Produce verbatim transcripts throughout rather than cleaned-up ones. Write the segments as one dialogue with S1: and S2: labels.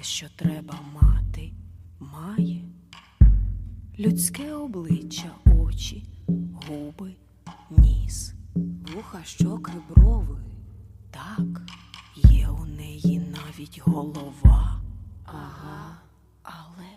S1: що треба мати, має. Людське обличчя, очі, губи, ніс,
S2: вуха, щоки, брови.
S1: Так, є у неї навіть голова.
S2: Ага.
S1: Але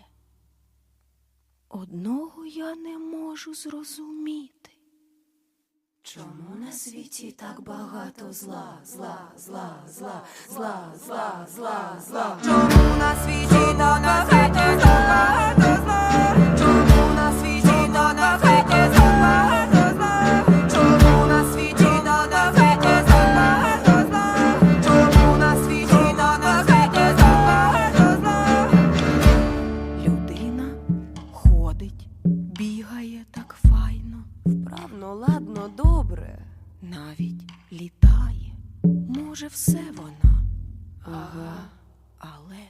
S1: одного я не можу зрозуміти.
S2: Чому на світі так багато зла, зла, зла, зла, зла, зла, зла, зла?
S3: Чому на світі та на світі так багато зла? Чому на світі та на світі так багато зла? Чому на світі та на світі так багато зла? Чому на світі та на світі так багато зла?
S1: Людина ходить, бігає так файно,
S2: Вправно, ладно, добре.
S1: навіть літає. Може, все вона.
S2: Ага.
S1: Але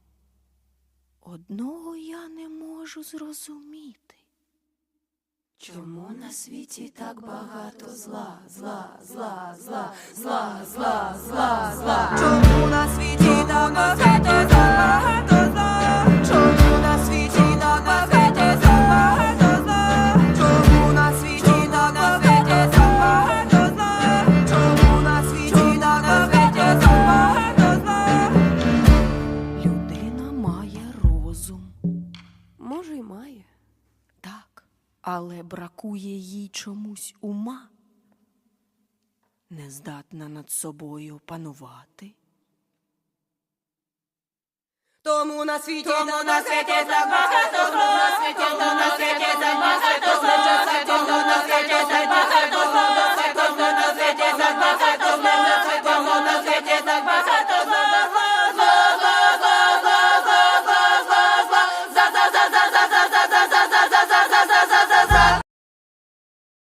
S1: одного я не можу зрозуміти.
S2: Чому на світі так багато зла, зла, зла, зла, зла, зла, зла, зла?
S3: Чому на світі та на світі так багато зла? Чому на світі та на світі так багато зла? Чому на світі та на світі так багато зла? Чому на світі та на світі так багато зла?
S1: Людина має розум,
S2: Може, й має.
S1: так, але бракує їй чомусь ума. Не здатна над собою панувати.
S3: Тому на світі та на світі так багато